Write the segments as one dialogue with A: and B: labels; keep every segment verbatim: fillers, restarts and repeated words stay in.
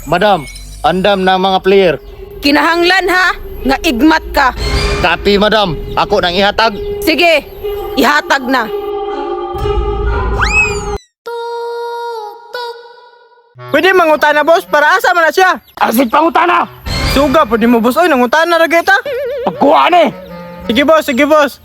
A: Madam, andam na mga player.
B: Kinahanglan ha, nga igmat ka.
A: Copy, madam. Ako nang ihatag.
B: Sige, ihatag na.
C: Pwede mangutana boss, para asa man na siya.
A: Asit pangutana.
C: Suga, pwede mo boss. Oy, nangutana na kita.
A: Pagkuha ni.
C: Sige boss, sige boss.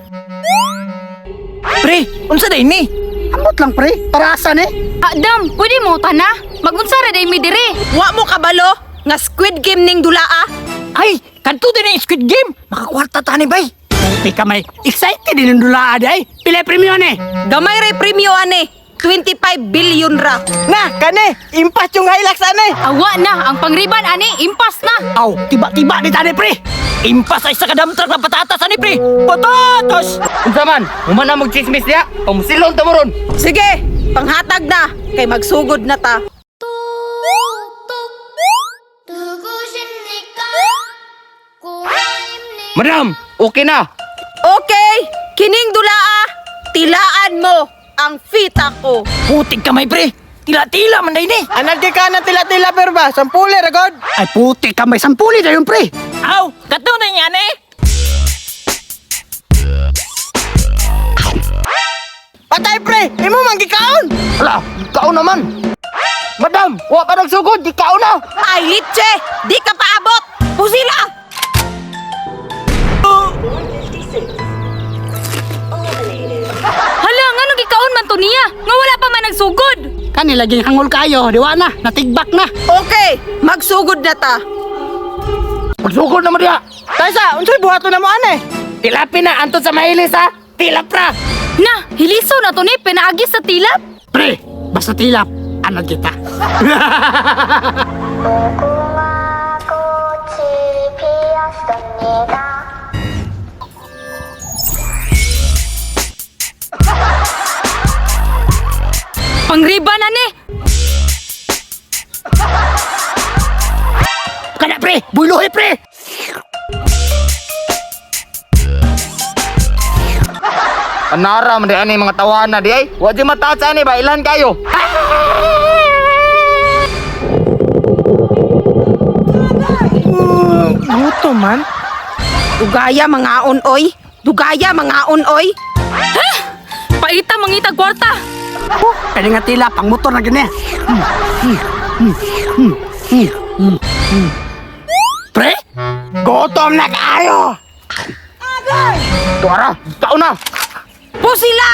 D: Pre, unsa day ni? Amot lang pre, para asa ni?
E: Adam, pwede mo tana? Magunsara day mi dire.
B: Wa mo kabalo, nga Squid Game ning dulaa.
D: Ay, kanto din ang Squid Game. Makakwarta tani bay. Di ka may excited din ang dula day. Pila premyo ni?
B: Gamay ray premyo ane, twenty-five billion ra.
C: Na, kane, impas yung Hilux ane.
E: Awa na, ang pangriban ani, impas na.
D: Aw, tiba-tiba di tani pre. Impas ay sa kadamtrak na patatas ani pre. Patatas!
A: Unsa man? Human na mag-chismis niya. Pamusilon ta mo ron.
B: Sige, panghatag na, kay magsugod na ta.
A: Madam, okay na.
B: Okay, kining dulaa, tilaan mo ang fita ko.
D: Putik kamay pre. Tila-tila man day ni.
C: Anad kay ka na tila-tila pero ba? Sampuli, ragod.
D: Ay putik kamay sampuli dayon pre. Aw, kato na yan eh.
C: Patay pre, imo man gikaon.
A: Ala, ikaw naman. Madam, wa pa nagsugod. Ikaw na.
B: Ay, litse, di ka paabot. Pusila!
E: Hala, nga nung gikaon man to niya. Nga wala pa man nagsugod.
D: Kani laging hangol kayo, diwa na, natigbak na.
B: Okay, magsugod na ta.
A: Magsugod naman diya.
C: Taysa, unsay buhaton na mo ane?
A: Tilapin na. Anton sa mahilis ha. Tilap ra.
E: Na, hiliso na to ni, pinaagis sa tilap.
D: Pre, basta tilap, anad kita.
E: Pangriban ani.
D: Kana pre, buluhi pre.
A: Anara man di ani mga tawana di ay. Wa di mataas ani ba ilan kayo?
C: Buto man.
B: Dugaya mga unoy. Dugaya mga unoy.
E: Paita mangitag kwarta.
D: Pwede nga tila, pang motor na gini. Pre,
C: Gutom na kayo.
A: Tuara, ikaw na.
B: Pusila!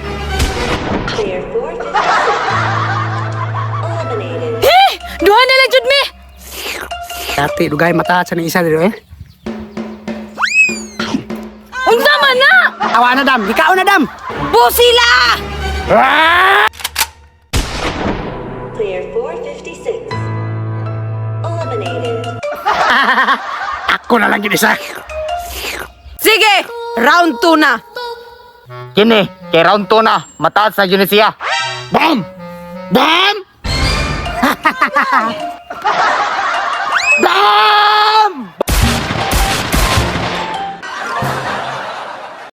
E: Eh, duha na lang jud mi.
D: dati dugay mata sa ni isa dito eh.
E: Unsa man na?
D: Awa na dam, ikaw na dam.
B: Pusila!
F: Clear four fifty-six. Eliminated.
D: Ako na lang gid isa.
B: Sige, round two na.
A: Kini, kay round two na. Mataas na yun siya. Bam! Bam! Bam!